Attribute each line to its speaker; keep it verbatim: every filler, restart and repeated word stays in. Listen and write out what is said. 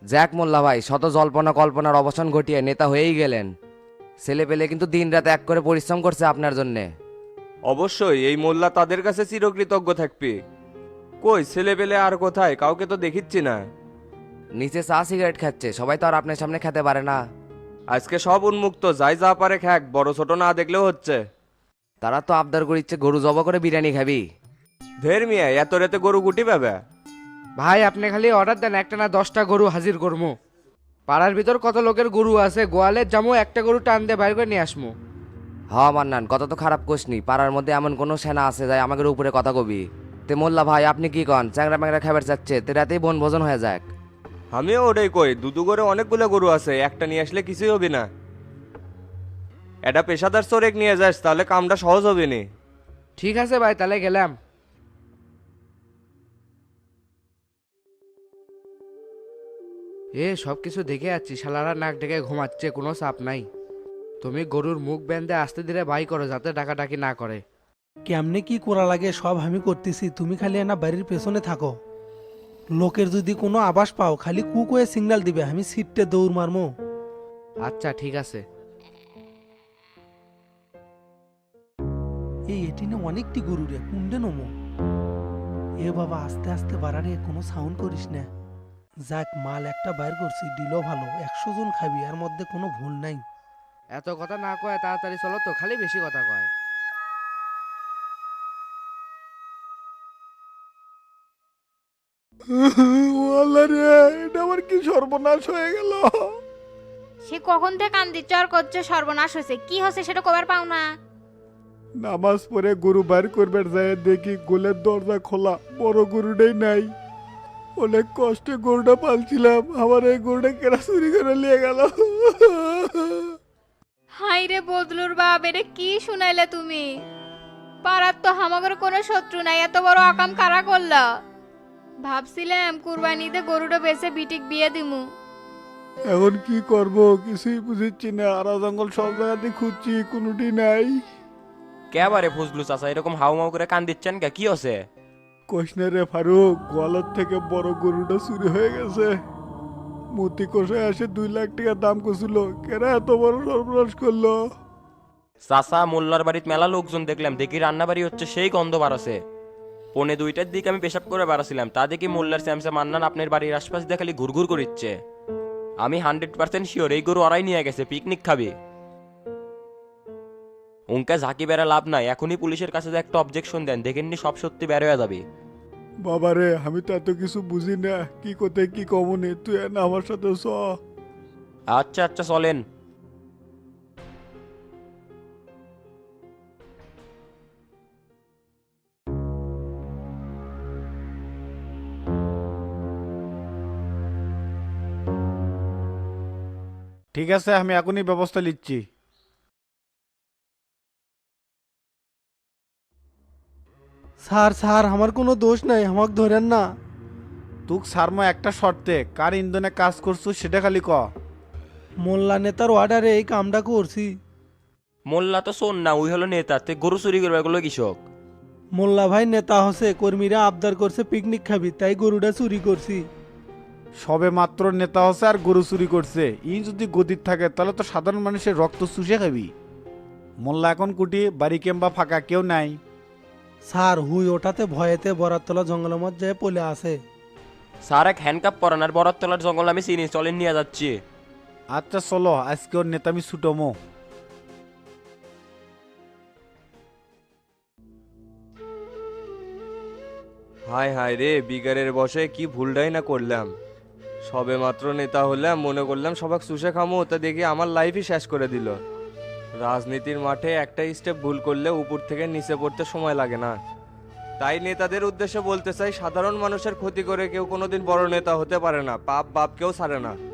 Speaker 1: Jack মোল্লা ভাই শত জল্পনা কল্পনার অবসান ঘটিয়ে নেতা হয়েই গেলেন। ছেলে পেলে কিন্তু দিন রাত এক করে পরিশ্রম করছে আপনার জন্যে।
Speaker 2: অবশ্যই এই মোল্লা তাদের কাছে চিরকৃতজ্ঞ থাকবে। কই ছেলে পেলে আর কোথায়, কাউকে তো দেখিচ্ছি না।
Speaker 1: নিচে চা সিগারেট খাচ্ছে, সবাই তো আর আপনার সামনে খেতে পারে না।
Speaker 2: আজকে সব উন্মুক্ত, যাই যা পারে খ্যাক, বড় ছোট না দেখলেও হচ্ছে।
Speaker 1: তারা তো আবদার করিচ্ছে গরু জব করে বিরিয়ানি খাবি।
Speaker 2: ধের মিয়া এত রাতে গরু গুটি পাবে?
Speaker 3: ভাই আপনি খালি অর্ডার দেন, একটা না দশটা গরু হাজির করবো। পাড়ার ভিতর কত লোকের গরু আছে, গোয়ালের জামু একটা গরু টান দিয়ে বাইর করে নিয়ে আসমু।
Speaker 1: হ মান্নান, কথা তো খারাপ কোসনি, পাড়ার মধ্যে এমন কোনো সেনা আছে যায় আমাদের উপরে কথা কবি। তে মোল্লা ভাই আপনি কি কন, চ্যাংরা ম্যাংরা খাবার চাচ্ছে, তে রাতেই বন ভোজন হয়ে যাক।
Speaker 2: আমিও ওটাই কই, দুদু করে অনেকগুলো গরু আছে, একটা নিয়ে আসলে কিছুই হবে না। এটা পেশাদার চোরেক নিয়ে যাস, তাহলে কামটা সহজ হবে নি।
Speaker 3: ঠিক আছে ভাই, তাহলে গেলাম। এ সব কিছু দেখে যাচ্ছি, শালারা নাক ডেকে ঘুমাচ্ছে, কোনো চাপ নাই। তুমি গরুর মুখ বেঁধে আস্তে ধীরে বাই করো, যাতে ডাকাডাকি না করে।
Speaker 4: কেমনে কি করা লাগে সব আমি করতেছি, তুমি খালি না বাড়ির পেছনে থাকো। লোকের যদি কোনো আবাস পাও খালি কুক হয়ে সিগন্যাল দিবে, আমি সিটটে দৌড় মারমো।
Speaker 3: আচ্ছা ঠিক আছে।
Speaker 4: এই এটিনে অনেকটি গরু রে, কুন্ডে নমো। এ বাবা আস্তে আস্তে বাড়ারে, কোনো সাউন্ড করিস না। যাক মাল একটা বাইর করছি, দিল ভালো, একশো জন খাবি, এর মধ্যে কোনো ভুল নাই।
Speaker 3: এত কথা না কয় তাড়াতাড়ি চলো তো, খালি বেশি কথা কয়।
Speaker 5: এটা আমার কি সর্বনাশ হয়ে গেল।
Speaker 6: সে কখন থেকে কান্দি চর করছে, সর্বনাশ হয়েছে, কি হচ্ছে সেটা কবার পাও না?
Speaker 5: নামাজ পড়ে গরু বাইর করবার যায় দেখি গোলের দরজা খোলা, বড় গরুটাই নাই। অনেক কষ্টে গরুটা পালছিলাম, আমার এই গরুটা কেরা চুরি করে নিয়ে গেল।
Speaker 6: হাই রে বদলুর বাপ, এটা কি শুনাইলে তুমি? পাড়ার তো হামাগের কোনো শত্রু নাই, এত বড় আকাম কারা করলা? ভাবছিলাম কুরবানিতে গরুটা বেচে বিটিক বিয়ে দিমু।
Speaker 5: এখন কি করব কিছুই বুঝিচ্ছি না, আরা জঙ্গল সব জায়গাতে খুঁজছি, কোনোটি নাই।
Speaker 2: কেবারে ফজলু চাচা এরকম হাউ মাউ করে কান দিচ্ছেন কে, কি হচ্ছে?
Speaker 5: কোশনে রে ফারুক, গোয়ালার থেকে বড় গরুটা চুরি হয়ে গেছে। মতি কষায় আসে দুই লাখ টাকা দাম করছিল, কেরা এত বড় সর্বনাশ করলো।
Speaker 2: চাচা মোল্লার বাড়িতে মেলা লোকজন দেখলাম, দেখি রান্না বাড়ি হচ্ছে, সেই গন্ধ বাড়াছে। পৌনে দুইটার দিকে আমি পেশাব করে বেড়াছিলাম, তা দেখি মোল্লার স্যামসা মান্নান আপনার বাড়ির আশপাশ দিয়ে খালি ঘুরঘুর করিচ্ছে। আমি হান্ড্রেড পার্সেন্ট শিওর এই গরু ওরাই নিয়ে গেছে, পিকনিক খাবে। উনকা ঝাঁকি বেড়া লাভ নাই, এখনই পুলিশের কাছে যে একটা অবজেকশন দেন, দেখেননি সব সত্যি বের হয়ে যাবে।
Speaker 5: বাবারে আমি তো এত কিছু বুঝি না, কি কোথায় কি কমনে, তুই না আমার সাথে চ।
Speaker 2: আচ্ছা আচ্ছা চলেন।
Speaker 5: ঠিক আছে, আমি এখনই ব্যবস্থা নিচ্ছি।
Speaker 4: স্যার স্যার আমার কোনো দোষ নাই, আমাকে ধরেন না।
Speaker 5: তুক সারমো একটা শর্তে, কার ইন্ধনে কাজ করছো সেটা খালি ক।
Speaker 4: মোল্লা নেতার অর্ডারে এই কামটা করছি।
Speaker 2: মোল্লা তো শোন না, ওই হলো নেতা, তে গরু চুরি করবে এগুলো কৃষক।
Speaker 4: মোল্লা ভাই নেতা হসে, কর্মীরা আবদার করছে পিকনিক খাবি, তাই গরুটা চুরি করছি।
Speaker 5: সবে মাত্র নেতা হচ্ছে আর গরু চুরি করছে, ই যদি গদির থাকে তাহলে তো সাধারণ মানুষের রক্ত চুষে খাবি। মোল্লা এখন কুটি, বাড়ি কেম্বা ফাঁকা, কেউ নাই।
Speaker 4: স্যার হুই ওটাতে ভয়েতে বরাতলা জঙ্গলের মধ্যে পলে আছে।
Speaker 2: স্যার এক হ্যান্ডকাপ পরান, আর বরাত তলার জঙ্গল আমি চিনি, চলেন নিয়ে যাচ্ছি।
Speaker 5: আচ্ছা চলো, আজকে ওর নেতামি ছুটমো।
Speaker 2: হায় হায় রে, বিগারের বসে কি ভুলটাই না করলাম। সবে মাত্র নেতা হলাম, মনে করলাম সবাক চুষে খামো, তা দেখি আমার লাইফই শেষ করে দিল। রাজনীতির মাঠে একটা স্টেপ ভুল করলে উপর থেকে নিচে পড়তে সময় লাগে না। তাই নেতাদের উদ্দেশ্যে বলতে চাই, সাধারণ মানুষের ক্ষতি করে কেউ কোনোদিন বড় নেতা হতে পারে না, পাপ বাপ কেউ ছাড়ে না।